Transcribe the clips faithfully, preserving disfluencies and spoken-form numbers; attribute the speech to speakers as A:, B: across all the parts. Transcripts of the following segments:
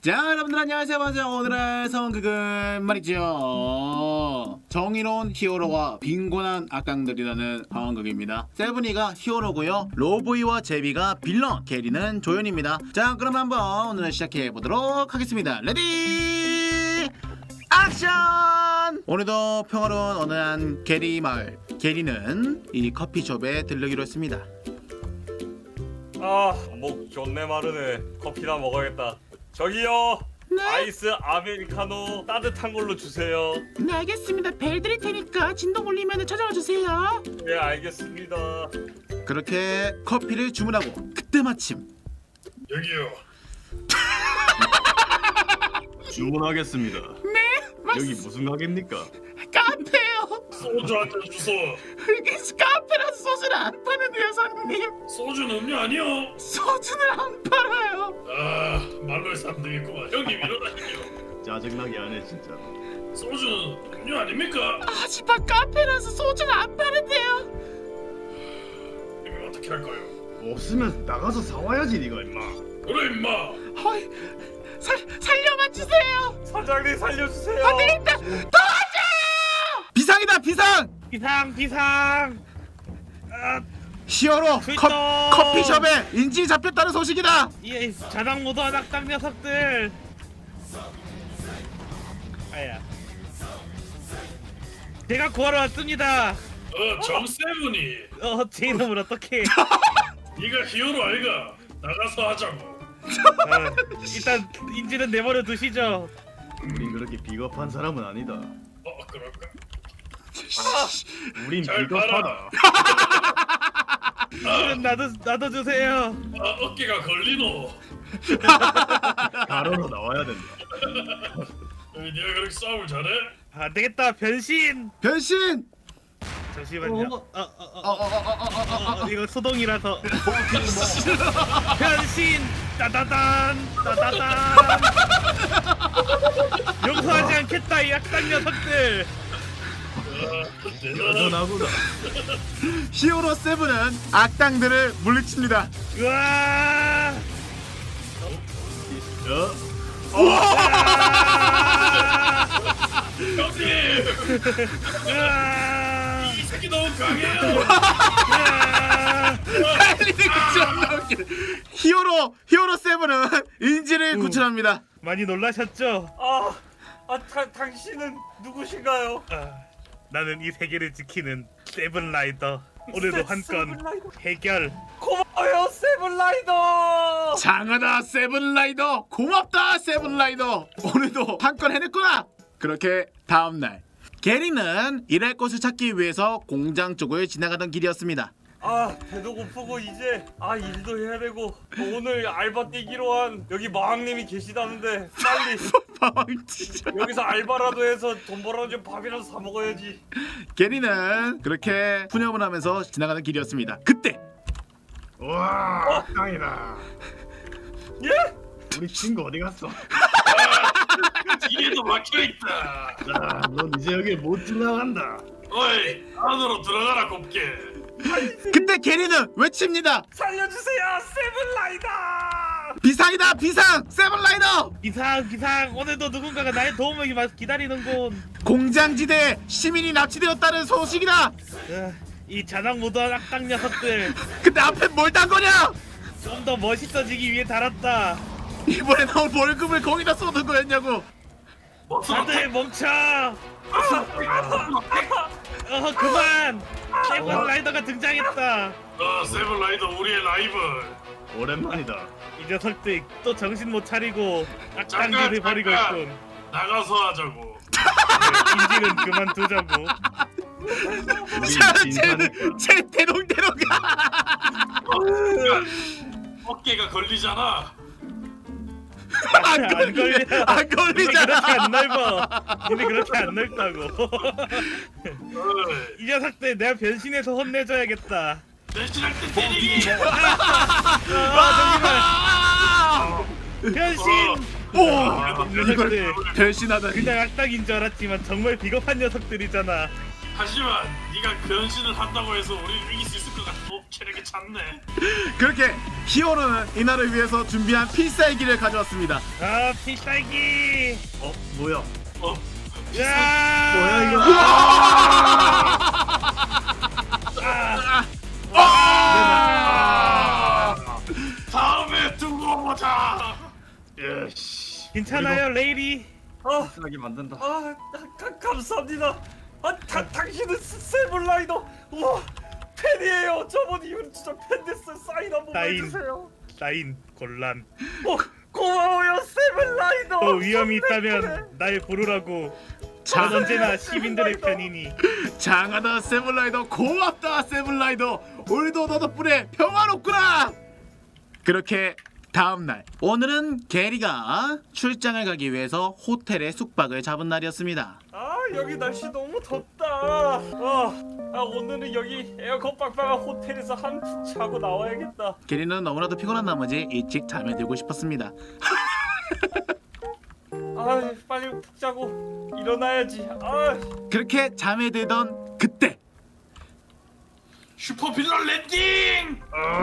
A: 자, 여러분들 안녕하세요. 맞아요. 오늘의 상황극은 말이죠, 정의로운 히어로와 빈곤한 악당들이라는 상황극입니다. 세븐이가 히어로고요, 로보이와 제비가 빌런, 게리는 조연입니다. 자, 그럼 한번 오늘 시작해보도록 하겠습니다. 레디 액션! 오늘도 평화로운 어느 한 게리 마을, 게리는 이 커피숍에 들르기로 했습니다.
B: 아, 목 존내 마르네. 커피나 먹어야겠다. 저기요,
A: 네?
B: 아이스 아메리카노 따뜻한 걸로 주세요.
A: 네, 알겠습니다. 벨 드릴 테니까 진동 울리면 찾아와 주세요.
B: 네, 알겠습니다.
A: 그렇게 커피를 주문하고 그때 마침
C: 여기요.
D: 주문하겠습니다.
A: 네?
D: 여기 무슨 가게입니까?
A: 카페요.
C: 소주 한 잔 주소.
A: 이게 카페라서 소주를 안 파는데요, 사장님.
C: 소주는 음료 아니요.
A: 소주를 안 팔아요.
C: 아, 말로 해서 안 되겠구만. 형님 일어나시죠.
D: 짜증나게 하네 진짜.
C: 소주는 음료 아닙니까?
A: 하지만 카페라서 소주를 안 파는데요.
C: 이거 어떻게 할까요?
D: 없으면 나가서 사와야지 니가 임마.
C: 그래 임마.
A: 어이, 살 살려만 주세요.
B: 사장님 살려주세요.
A: 안 되겠다. 도와줘! 비상이다, 비상.
E: 비상 비상. 아,
A: 히어로
E: 트위터!
A: 컵, 커피숍에 인질이 잡혔다는 소식이다.
E: 이 자당 모드한 악당 녀석들. 아야. 제가 구하러 왔습니다.
C: 어, 정세븐이.
E: 어, 제 이름을 어떻게?
C: 네가 히어로 아이가. 나가서 하자고.
E: 아, 일단 인지는 내버려 두시죠.
D: 우린 그렇게 비겁한 사람은 아니다.
C: 어, 그럴까?
D: 우린
C: 잘
D: 비겁하다.
E: 인지는 나도 나도 주세요.
C: 아, 어깨가 걸리노.
D: 가로로 나와야 된다.
C: 어, 네가 그렇게 싸움을 잘해?
E: 안 되겠다. 변신.
A: 변신.
E: 잠시만요. 어, 어, 어,
A: 어, 어, 어, 어, 어, 어, 어.
E: 어, 이거 소동이라서. 변신. 따다단 따다단. 용서하지 않겠다 이 악당 녀석들.
C: 아, 대단하다.
D: 여전하구나.
A: 히어로 세븐은 악당들을 물리칩니다.
E: 으아.
D: 어?
C: 형님!
E: 으아.
C: 이 새끼 너무 강해요.
E: 으아.
A: 달리는 거 존나 웃기네. 히어로 히어로 세븐은 인지를 구출합니다.
E: 많이 놀라셨죠?
B: 아, 아, 타, 당신은 누구신가요?
E: 아, 나는 이 세계를 지키는 세븐라이더. 오늘도 한 건
B: 세븐라이더.
E: 해결.
B: 고마워요, 세븐라이더.
A: 장하다 세븐라이더, 고맙다 세븐라이더. 오늘도 한 건 해냈구나. 그렇게 다음날 게리는 일할 곳을 찾기 위해서 공장 쪽을 지나가던 길이었습니다.
B: 아, 배도 고프고 이제 아 일도 해야 되고 오늘 알바 뛰기로 한 여기 마왕님이 계시다는데 빨리
A: 방치자.
B: 여기서 알바라도 해서 돈 벌어서 밥이라도 사 먹어야지.
A: 게리는 그렇게 푸념을 하면서 지나가는 길이었습니다. 그때
D: 와, 땅이다.
B: 예?
D: 우리 친구 어디 갔어?
C: 뒤에도 막혀있다.
D: 자, 넌 이제 여기 못 지나간다.
C: 어이, 안으로 들어가라 곱게.
A: 그때 게리는 외칩니다.
B: 살려주세요, 세븐라이더.
A: 비상이다, 비상 세븐라이더.
E: 비상 비상. 오늘도 누군가가 나의 도움을 기- 기다리는군.
A: 공장지대에 시민이 납치되었다는 소식이다.
E: 으, 이 자당 모드한 악당 녀석들.
A: 근데 앞에 뭘 단 거냐?
E: 좀 더 멋있어지기 위해 달았다.
A: 이번에 나온 월급을 거기다 쏟은 거였냐고.
E: 다들 멈춰. 어 그만. 세븐라이더가 등장했다.
C: 어, 세븐라이더 우리의 라이벌.
D: 오랜만이다.
E: 이 녀석들 또 정신 못 차리고
C: 잠깐,
E: 악당들을 버리고
C: 잠깐.
E: 있군.
C: 나가서 하자고.
E: 인지는 그만두자고.
A: 자,
D: 우린
A: 쟤는
D: 진사니까.
A: 쟤 대롱대롱 가.
C: 어, 그러니까 어깨가 걸리잖아.
E: 안 걸려.
A: 안
E: 근데
A: 걸리잖아.
E: 그렇게 안 넓어. 근데 그렇게 안 넓다고.
C: 어이,
E: 이 녀석들 내가 변신해서 혼내줘야겠다.
C: 대신할 때 때리기.
E: 아 잠시만. 변신.
A: 오,
C: 어,
E: 녀석들
A: 변신하다니.
E: 그냥 악당인 줄 알았지만 정말 비겁한 녀석들이잖아.
C: 하지만 네가 변신을 한다고 해서 우리를 이길 수 있을 것 같아. 체력이 찼네.
A: 그렇게 히어로는 이날을 위해서 준비한 필살기를 가져왔습니다.
E: 아 필살기.
D: 어 뭐야?
C: 어,
E: 야
D: 뭐야 이거?
A: 아!
C: 다음에 두고 보자.
D: 예씨.
E: 괜찮아요 레이리.
B: 아,
D: 하게 만든다.
B: 아, 가, 감사합니다. 아, 다, 당신은 세븐라이더. 우와, 팬이에요. 저번 이후로 진짜 팬 됐어요. 사인 한 번만
E: 사인.
B: 해주세요.
E: 사인 곤란.
B: 어, 고마워요, 세븐라이더.
E: 또 위험이 있다면 날 부르라고. 전 언제나 시민들의 편이니.
A: 장하다 세븐라이더, 고맙다 세븐라이더. 오늘도 너 덕분에 평화롭구나. 그렇게 다음날, 오늘은 게리가 출장을 가기 위해서 호텔에 숙박을 잡은 날이었습니다.
B: 아, 여기 날씨 너무 덥다. 아, 아 오늘은 여기 에어컨 빵빵한 호텔에서 한푹 자고 나와야겠다.
A: 게리는 너무나도 피곤한 나머지 일찍 잠에 들고 싶었습니다.
B: 아, 빨리 푹 자고 일어나야지. 아,
A: 그렇게 잠에 들던 그때
C: 슈퍼빌런 랜딩.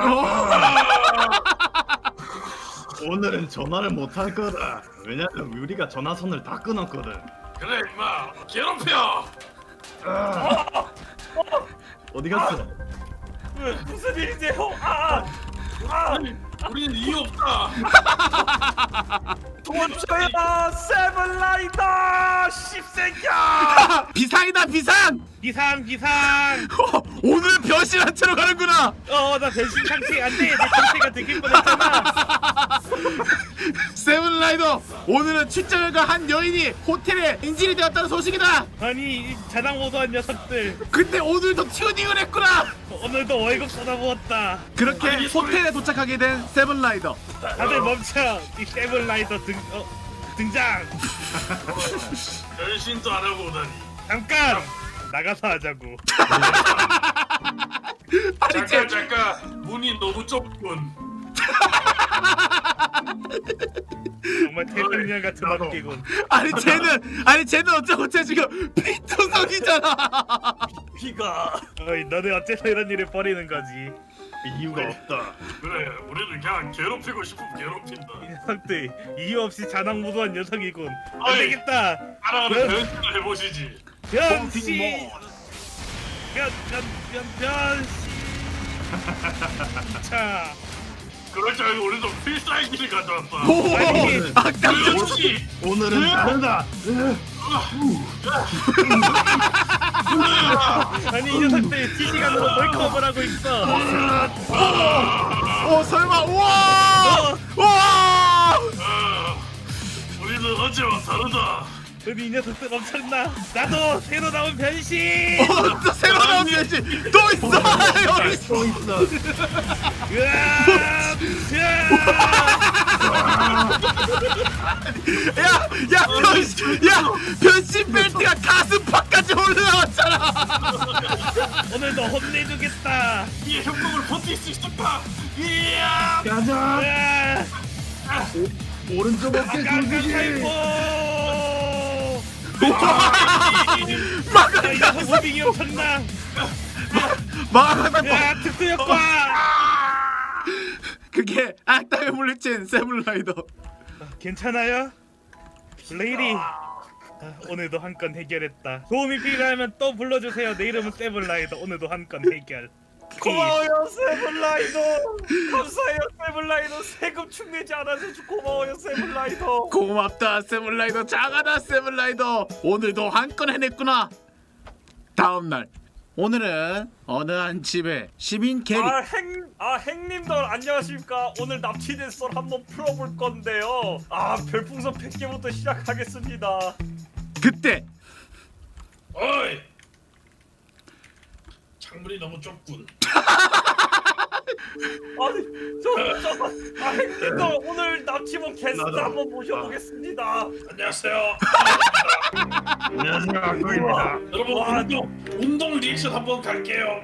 D: 오늘은 전화를 못 할 거다. 왜냐면 우리가 전화선을 다 끊었거든.
C: 그래 임마 괴롭혀.
D: 아. 어디 갔어?
B: 왜, 무슨 일이세요? 아, 아,
C: 우리는 이유 없다.
B: 도와줘요, 세븐라이더 씹새끼야.
A: 비상이다 비상!
E: 비상 비상.
A: 어, 오늘은 변신한 채로 가는구나.
E: 어나 변신 상태 안돼. 내 상태가 되길 뻔했잖아.
A: 세븐라이더, 오늘은 출장을 간 한 여인이 호텔에 인질이 되었다는 소식이다.
E: 아니 이 자당모도한 녀석들.
A: 근데 오늘도 튜닝을 했구나.
E: 오늘도 월급 쏟아부었다.
A: 그렇게
C: 아니,
A: 호텔에 도착하게 된 세븐라이더.
E: 다들 멈춰. 이 세븐라이더 등 어, 등장.
C: 변신도 안 하고 오다니.
E: 잠깐 나가서 하자고.
A: 아니 쟤
C: 잠깐 잠깐 문이 너무 좁군.
E: 정말 태평양 같은
D: 나도.
E: 막기군.
A: 아니 쟤는 아니 쟤는 어쩌고 쟤 지금 피투성이잖아.
B: 비가.
E: 어이 너네 어째서 이런 일을 벌이는 거지?
D: 이유가 없다.
C: 그래 우리는 그냥 괴롭히고 싶으면
E: 이
C: 괴롭힌다.
E: 녀석들 이유 없이 자당무도한 녀석이군. 안
C: 어이.
E: 되겠다.
C: 하나하나
E: 네.
C: 변신을 해보시지.
E: 변신. 변변변 변신. 자.
C: 그럴 줄 알고 우리도 필살기를 가져왔다.
A: 오,
E: 아니,
A: 아까
C: 그렇지.
D: 오늘은 다르다.
E: 아니 이 녀석들 실시간으로 몰카업을 하고 있어.
A: 오 설마 우와 우와.
C: 아, 우리는 어제와 다르다.
E: 아니 이 녀석들 엄청나. 나도 새로 나온 변신.
A: 어, 또 새로 나온 변신 또 있어 여기 있어.
D: 또 있어.
E: 으아! 으아!
A: 야야 변신 야 변신 벨트가 가슴팍까지 올라왔잖아.
E: 오늘도 혼내주겠다.
C: 이 협곡을 버틸 수 있을까? 이야!
D: 가자.
E: 으아!
D: 오른쪽 어깨
E: 깡깡
D: 굴리기.
E: 살포.
A: 막아
E: 이 녀석 무빙이 엄청나.
A: 막아
E: 으아! 특수 효과.
A: 그게 악당을 물리친 세븐라이더.
E: 괜찮아요? 레이디. 아, 오늘도 한 건 해결했다. 도움이 필요하면 또 불러주세요. 내 이름은 세븐라이더. 오늘도 한 건 해결.
B: 고마워요, 세븐라이더. 감사해요, 세븐라이더. 세금 축내지 않아서 고마워요, 세븐라이더.
A: 고맙다 세븐라이더. 장하다 세븐라이더. 오늘도 한 건 해냈구나. 다음날, 오늘은 어느 한 집에 시민 게리.
B: 아, 행, 아, 행님들 안녕하십니까? 오늘 납치된 썰 한번 풀어볼 건데요. 아, 별풍선 백 개부터 시작하겠습니다.
A: 그때
C: 어이! 창문이 너무 좁군.
B: 아니, 저, 저, 아, 행님들 오늘 납치범 게스트
D: 나도.
B: 한번 모셔보겠습니다.
C: 안녕하세요.
D: 안녕하세요, 악동입니다.
C: 여러분
B: 와,
C: 운동 운동 리액션 한번 갈게요.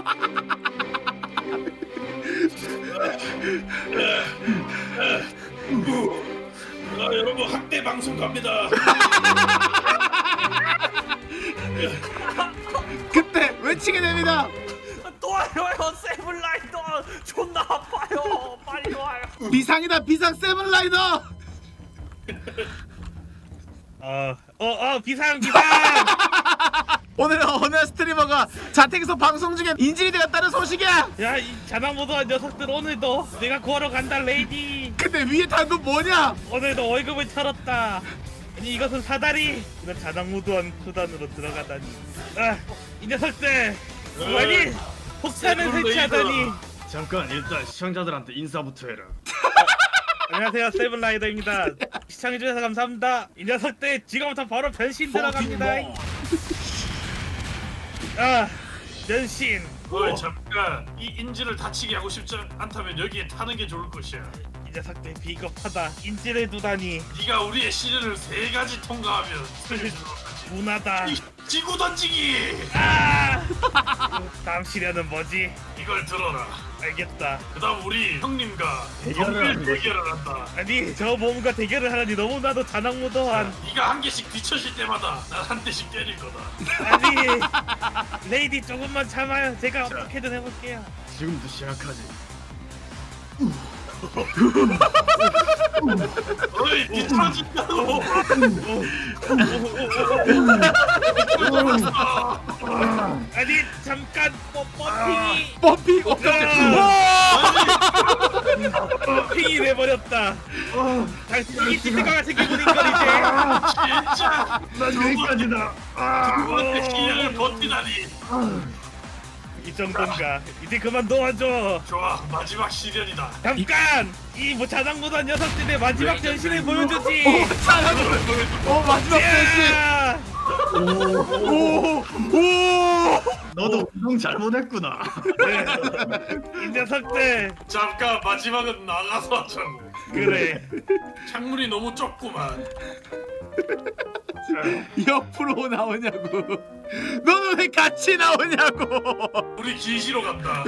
C: 아, 여러분 학대 방송 갑니다.
A: 그때 외치게 됩니다.
B: 도와 아파요 세븐라이더 존나 아파요 빨리 와요.
A: 비상이다 비상 세븐라이더.
E: 어, 어, 어, 비상, 비상!
A: 오늘은 어느 스트리머가 자택에서 방송 중에 인질이 되었다는 소식이야.
E: 야, 이 자나무도한 녀석들 오늘도 내가 구하러 간다, 레이디!
A: 근데 위에 단돈 뭐냐?
E: 오늘도 월급을 털었다! 아니, 이것은 사다리! 이런 자나무도한 수단으로 들어가다니. 아, 이 녀석들! 아니, 폭탄을 설치하다니!
D: 잠깐 일단 시청자들한테 인사부터 해라.
E: 안녕하세요, 세븐라이더입니다. 시청해주셔서 감사합니다. 이 녀석들 지금부터 바로 변신 들어갑니다. 아, 변신.
C: 어이 잠깐 이 인질을 다치게 하고 싶지 않다면 여기에 타는 게 좋을 것이야.
E: 이 녀석들 비겁하다. 인질을 두다니.
C: 네가 우리의 시련을 세 가지 통과하면 살려주도록 하지.
E: 문하다.
C: 이 지구 던지기.
E: 아! 다음 시련은 뭐지?
C: 이걸 들어라.
E: 알겠다.
C: 그다음 우리 형님과
D: 대결을
C: 정밀
D: 하는 거지.
C: 대결을 한다.
E: 아니, 저 몸과 대결을 하라니 너무나도 자나무도한.
C: 네가 한 개씩 뒤쳐질 때마다 난 한 대씩 때릴 거다.
E: 아니, 레이디 조금만 참아요. 제가 어떻게든 해볼게요.
D: 지금부터 시작하지.
C: 어이 뒤쳐진다고.
E: 아니, 잠깐 뽀뽀핑이
A: 펌핑. 어,
E: 핑이 돼버렸다. 당신이 찌꺼가 생기고 있는 걸 이제.
C: 진짜
D: 난 여기까지다. 아,
C: 두 번째 시련을 버티다니.
E: 이 정도인가? 이제 그만 놓아줘.
C: 좋아 마지막 시련이다.
E: 잠깐! 이 뭐 자장무도한 녀석들의 마지막 변신을 보여주지.
A: 어 마지막 변신.
E: 야!
A: 오. 오.
D: 너도 운동 잘못했구나.
E: 네. 이 녀석들.
C: 잠깐 마지막은 나가서 하자.
E: 그래.
C: 창문이 너무 좁구만.
A: 옆으로 나오냐고. 너는 왜 같이 나오냐고.
C: 우리 기시로 간다.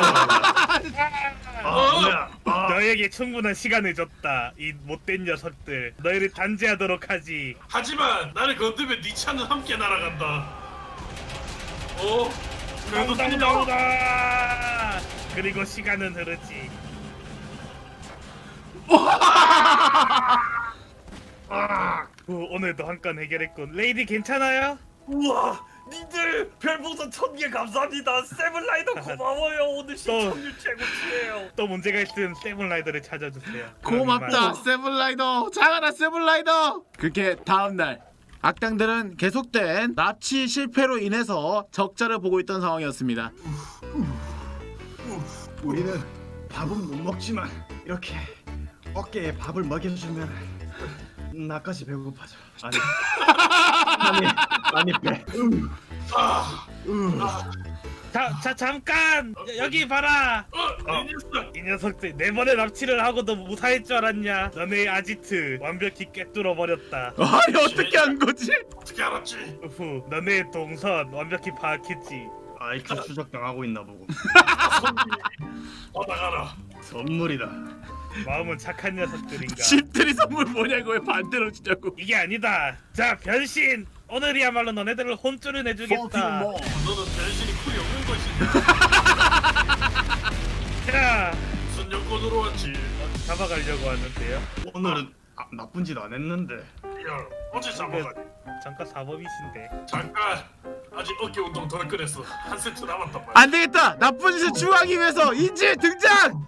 D: 아, 뭐야? 아,
E: 너에게 충분한 시간을 줬다. 이 못된 녀석들. 너희를 단죄하도록 하지.
C: 하지만 나를 건드면 네 차는 함께 날아간다. 어? 그래도
E: 당당
C: 되냐?
E: 나오다. 그리고 시간은 흐르지. 오, 오늘도 한 건 해결했군. 레이디 괜찮아요?
B: 우와 니들 별풍선 천 개 감사합니다. 세븐라이더 고마워요. 오늘 시청률 최고치예요.
E: 또 문제가 있으면 세븐라이더를 찾아주세요.
A: 고맙다 세븐라이더. 장하나 세븐라이더. 그렇게 다음날 악당들은 계속된 납치 실패로 인해서 적자를 보고 있던 상황이었습니다.
D: 우리는 밥은 못 먹지만 이렇게 어깨에 밥을 먹여주면 나까지 배고파져. 아니, 아니, 아니 배.
C: 아,
E: 자, 자 잠깐! 여, 여기 봐라!
C: 어, 이 녀석.
E: 이 녀석들 네 번의 납치를 하고도 무사할 줄 알았냐? 너네 아지트 완벽히 꿰뚫어 버렸다.
A: 아니 어떻게 한 거지?
C: 어떻게 알았지?
E: 후, 너네 동선 완벽히 파악했지.
D: 아이큐 추적 당하고 있나 보고.
C: 받아가라.
D: 선물이다.
E: 마음은 착한 녀석들인가?
A: 집들이 선물 뭐냐고 왜 반대로 주냐고.
E: 이게 아니다. 자, 변신! 오늘이야말로 너네들을 혼쭐을 내주겠다.
C: 너는 변신이 쿨이 없는 것이냐?
E: 자,
C: 무슨 여권으로 왔지?
E: 잡아가려고 하는데요.
D: 오늘은 아, 나쁜 짓 안 했는데.
C: 야, 어제 잡아가지.
E: 잠깐 사범이신데.
C: 잠깐. 아직 어깨 운동 덜 꺼냈어. 한 세트 남았단 말이야.
A: 안 되겠다. 나쁜 짓을 추구하기 위해서 인질 등장.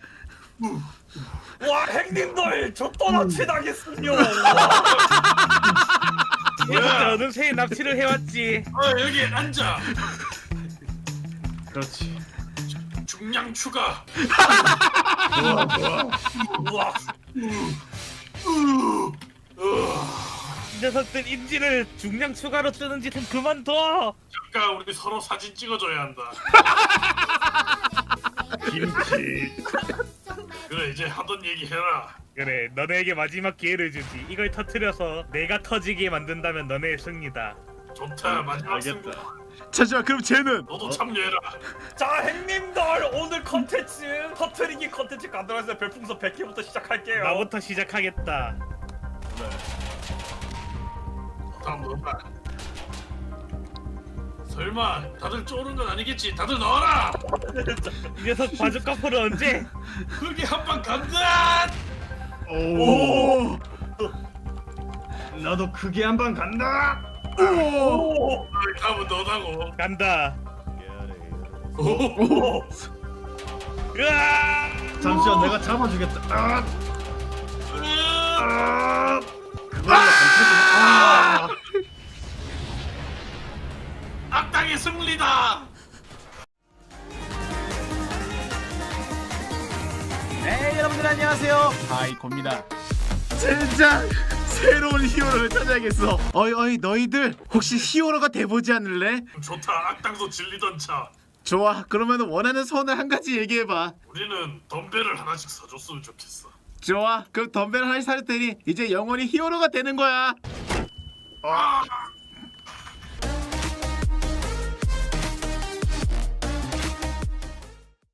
B: 와 행님들 저 또 납치당했군요.
E: 녀석들 어느새 납치를 해왔지.
C: 어, 여기 앉아.
D: 그렇지.
C: 중량 추가.
D: 좋아, 좋아.
B: 우와
E: 이 녀석들 인지를 중량 추가로 쓰는 짓은 그만둬.
C: 잠깐 우리 서로 사진 찍어줘야 한다.
D: 김치.
C: 그래 이제 하던 얘기 해라.
E: 그래, 너네에게 마지막 기회를 주지. 이걸 터트려서 내가 터지게 만든다면 너네의 승리다.
C: 좋다 마지막 승부.
D: 알겠다.
A: 잠시만 그럼 쟤는
C: 너도 참여해라.
B: 자 행님들 오늘 컨텐츠 터트리기 컨텐츠 가도록 해서 별풍선 백 개부터 시작할게요.
E: 나부터 시작하겠다.
C: 다음 너다. 설마 다들 쪼는 건 아니겠지? 다들 넣어라.
E: 이 녀석 바주카 포를 언제?
C: 그게 한 방 간다.
D: 오. 나도 크게 한 방 간다.
A: 오.
C: 가면 너다고.
E: 간다.
C: 오.
E: 으아!
D: 잠시만 내가 잡아주겠다. 아.
C: 으아!
D: 아. 그걸로 안 터지네. 아.
C: 악당의 승리다.
A: 네 여러분들 안녕하세요 하이코입니다. 진짜 새로운 히어로를 찾아야겠어. 어이 어이 너희들 혹시 히어로가 돼보지 않을래?
C: 좋다. 악당도 질리던 차.
A: 좋아 그러면 원하는 소원을 한 가지 얘기해봐.
C: 우리는 덤벨을 하나씩 사줬으면 좋겠어.
A: 좋아 그럼 덤벨 하나씩 살 테니 이제 영원히 히어로가 되는 거야.
C: 아!